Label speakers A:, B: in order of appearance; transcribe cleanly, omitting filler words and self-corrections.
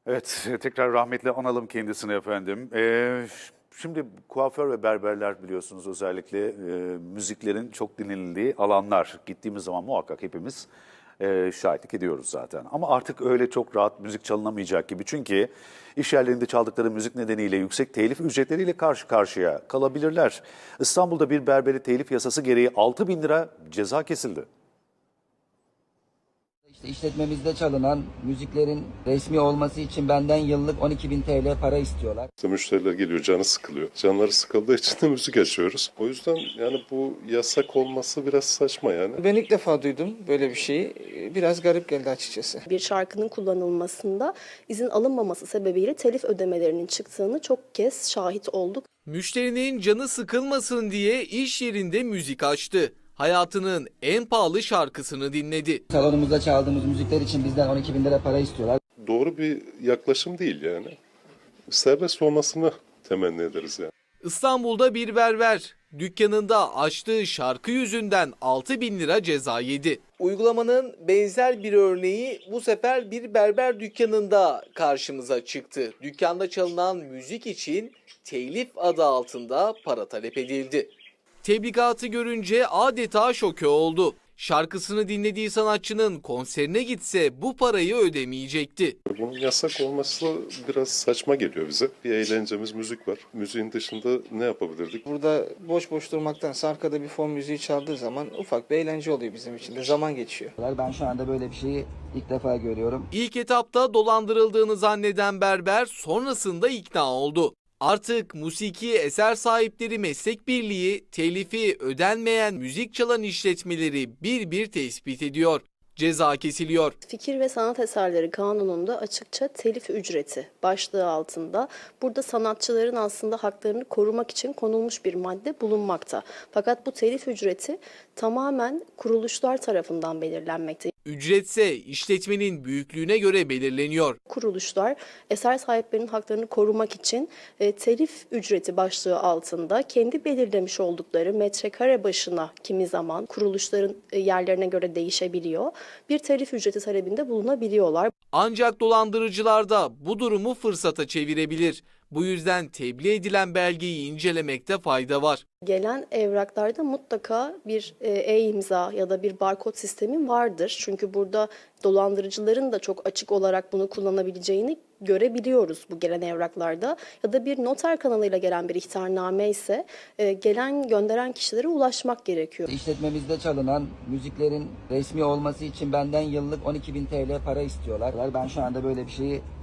A: Evet, tekrar rahmetle analım kendisini efendim. Şimdi kuaför ve berberler biliyorsunuz özellikle müziklerin çok dinlenildiği alanlar. Gittiğimiz zaman muhakkak hepimiz şahitlik ediyoruz zaten. Ama artık öyle çok rahat müzik çalınamayacak gibi. Çünkü iş yerlerinde çaldıkları müzik nedeniyle yüksek telif ücretleriyle karşı karşıya kalabilirler. İstanbul'da bir berberi telif yasası gereği 6.000 lira ceza kesildi.
B: İşte işletmemizde çalınan müziklerin resmi olması için benden yıllık 12.000 TL para istiyorlar.
C: İşte müşteriler geliyor, canı sıkılıyor. Canları sıkıldığı için de müzik açıyoruz. O yüzden yani bu yasak olması biraz saçma yani.
D: Ben ilk defa duydum böyle bir şeyi. Biraz garip geldi açıkçası.
E: Bir şarkının kullanılmasında izin alınmaması sebebiyle telif ödemelerinin çıktığını çok kez şahit olduk.
F: Müşterinin canı sıkılmasın diye iş yerinde müzik açtı. Hayatının en pahalı şarkısını dinledi.
B: Salonumuzda çaldığımız müzikler için bizden 12.000 lira para istiyorlar.
C: Doğru bir yaklaşım değil yani. Serbest olmasını temenni ederiz yani.
F: İstanbul'da bir berber dükkanında açtığı şarkı yüzünden 6.000 lira ceza yedi. Uygulamanın benzer bir örneği bu sefer bir berber dükkanında karşımıza çıktı. Dükkanda çalınan müzik için telif adı altında para talep edildi. Tebligatı görünce adeta şoke oldu. Şarkısını dinlediği sanatçının konserine gitse bu parayı ödemeyecekti.
C: Bunun yasak olması biraz saçma geliyor bize. Bir eğlencemiz müzik var. Müziğin dışında ne yapabilirdik?
D: Burada boş boş durmaktansa arkada bir fon müziği çaldığı zaman ufak bir eğlence oluyor bizim için de. Zaman geçiyor.
B: Ben şu anda böyle bir şeyi ilk defa görüyorum.
F: İlk etapta dolandırıldığını zanneden berber sonrasında ikna oldu. Artık Musiki Eser Sahipleri Meslek Birliği telifi ödenmeyen müzik çalan işletmeleri bir bir tespit ediyor. Ceza kesiliyor.
E: Fikir ve Sanat Eserleri Kanunu'nda açıkça telif ücreti başlığı altında burada sanatçıların aslında haklarını korumak için konulmuş bir madde bulunmakta. Fakat bu telif ücreti tamamen kuruluşlar tarafından belirlenmekte.
F: Ücretse işletmenin büyüklüğüne göre belirleniyor.
E: Kuruluşlar eser sahiplerinin haklarını korumak için telif ücreti başlığı altında kendi belirlemiş oldukları metrekare başına kimi zaman kuruluşların yerlerine göre değişebiliyor. Bir telif ücreti talebinde bulunabiliyorlar.
F: Ancak dolandırıcılar da bu durumu fırsata çevirebilir. Bu yüzden tebliğ edilen belgeyi incelemekte fayda var.
E: Gelen evraklarda mutlaka bir e-imza ya da bir barkod sistemi vardır. Çünkü burada dolandırıcıların da çok açık olarak bunu kullanabileceğini görebiliyoruz bu gelen evraklarda. Ya da bir noter kanalıyla gelen bir ihtarname ise gelen gönderen kişilere ulaşmak gerekiyor.
B: İşletmemizde çalınan müziklerin resmi olması için benden yıllık 12.000 TL para istiyorlar. Ben şu anda böyle bir şeyi